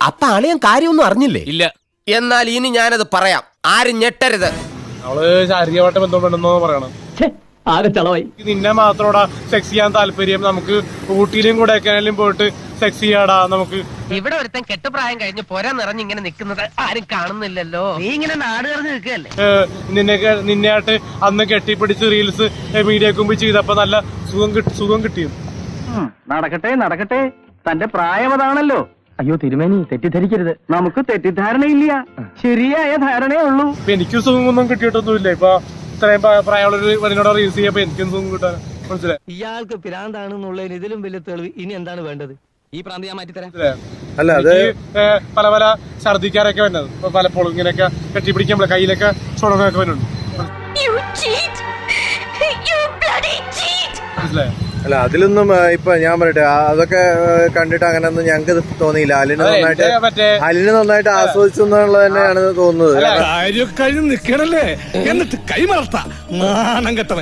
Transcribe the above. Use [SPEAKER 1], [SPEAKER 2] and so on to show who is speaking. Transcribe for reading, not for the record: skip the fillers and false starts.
[SPEAKER 1] അപ്പൊ അളിയൻ കാര്യമൊന്നും അറിഞ്ഞില്ലേ?
[SPEAKER 2] ഇല്ല.
[SPEAKER 1] എന്നാൽ ഇനി ഞാനത് പറയാം, ആരും ഞെട്ടരുത്.
[SPEAKER 3] അവള് ശാരീരികമായിട്ട് ബന്ധപ്പെടുന്നോ പറയണം.
[SPEAKER 4] ആകെ ചളവായി.
[SPEAKER 3] നിന്നെ മാത്രോടാ സെക്സ് ചെയ്യാൻ താല്പര്യം, നമുക്ക് ഊട്ടിയിലും കൊടൈക്കനാലിലും പോയിട്ട് സെക്സ് ചെയ്യാടാ നമുക്ക്.
[SPEAKER 5] ഇവിടെ ഒരുത്തൻ കെട്ടുപ്രായം കഴിഞ്ഞ് പോരാ നിറഞ്ഞ് ഇങ്ങനെ നിൽക്കുന്നത് ആരും കാണുന്നില്ലല്ലോ. നീ ഇങ്ങനെ നാട് നിറഞ്ഞ് നിൽക്കല്ലേ.
[SPEAKER 3] നിന്നെയായിട്ട് അന്ന് കെട്ടിപ്പിടിച്ച് റീൽസ് മീഡിയക്ക് മുമ്പ് ചെയ്തപ്പോ നല്ല സുഖം കിട്ടിയത്.
[SPEAKER 4] നടക്കട്ടെ നടക്കട്ടെ, തന്റെ പ്രായം അതാണല്ലോ. അയ്യോ തിരുമേനി, തെറ്റിദ്ധരിക്കരുത്. നമുക്ക് തെറ്റിദ്ധാരണയില്ല, ശരിയായ ധാരണയേ ഉള്ളൂ.
[SPEAKER 3] ഇപ്പൊ എനിക്ക് സുഖമൊന്നും കിട്ടിയിട്ടൊന്നുമില്ല. ഇപ്പൊ ഇത്രയും പ്രായമുള്ളൊരു പെണ്ണിനോട് റീൽസ് ചെയ്യപ്പോ എനിക്കും സുഖം കിട്ടാൻ മനസ്സിലായി.
[SPEAKER 4] ഇയാൾക്ക് ഭ്രാന്താണെന്നുള്ളതിന് ഇതിലും വലിയ തെളിവ് ഇനി എന്താണ് വേണ്ടത്? ഈ പ്രാന്ത് ഞാൻ മാറ്റിത്തരാം.
[SPEAKER 6] അല്ല അത്
[SPEAKER 3] പല പല ഛർദിക്കാരൊക്കെ വരുന്നത് പലപ്പോഴും ഇങ്ങനെയൊക്കെ കെട്ടിപ്പിടിക്കുമ്പോൾ കയ്യിലൊക്കെ ചുണങ്ങൊക്കെ വരുന്നുണ്ട്. മനസ്സിലായോ?
[SPEAKER 6] അല്ല അതിലൊന്നും ഇപ്പൊ ഞാൻ പറയട്ടെ, അതൊക്കെ കണ്ടിട്ട് അങ്ങനെയൊന്നും ഞങ്ങൾക്ക് തോന്നിയില്ല. അലിന് നന്നായിട്ട് ആസ്വദിച്ചു എന്നുള്ളത് തന്നെയാണ് തോന്നുന്നത്.
[SPEAKER 2] കാര്യം കഴിഞ്ഞ് നിക്കണല്ലേ, എന്നിട്ട് കൈമറത്ത നാണം കെട്ടവൻ.